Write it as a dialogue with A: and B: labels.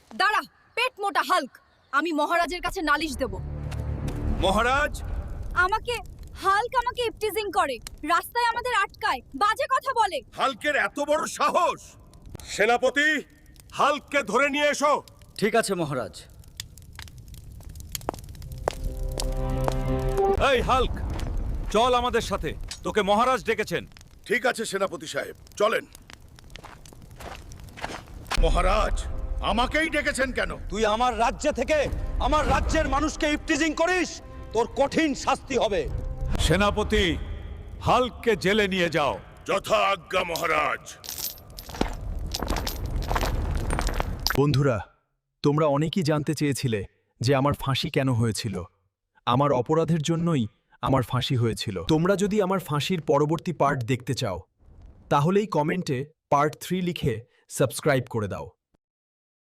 A: দাঁড়া, পেট মোটা হাল্ক। আমি মহারাজের কাছে নালিশ দেব।
B: মহারাজ,
A: হাল্ক আমাকে ইপটিজিং করে, রাস্তায় আমাদের আটকায়, বাজে কথা বলে।
B: হাল্কের এত বড় সাহস! সেনাপতি, হাল্ককে ধরে নিয়ে এসো।
C: ঠিক আছে মহারাজ।
D: এই হাল্ক, চল আমাদের সাথে, তোকে মহারাজ ডেকেছেন।
B: ঠিক আছে সেনাপতি সাহেব, চলেন। মহারাজ, আমাকেই ডেকেছেন কেন?
C: তুই আমার রাজ্য থেকে আমার রাজ্যের মানুষকে ইপটিজিং করিস, তোর কঠিন শাস্তি হবে।
D: সেনাপতি, হাল্ককে জেলে নিয়ে যাও।
B: যথা আজ্ঞা মহারাজ।
E: বন্ধুরা, তোমরা অনেকেই জানতে চেয়েছিলে যে আমার ফাঁসি কেন হয়েছিল। আমার অপরাধের জন্যই আমার ফাঁসি হয়েছিল। তোমরা যদি আমার ফাঁসির পরবর্তী পার্ট দেখতে চাও, তাহলেই কমেন্টে পার্ট 3 লিখে সাবস্ক্রাইব করে দাও।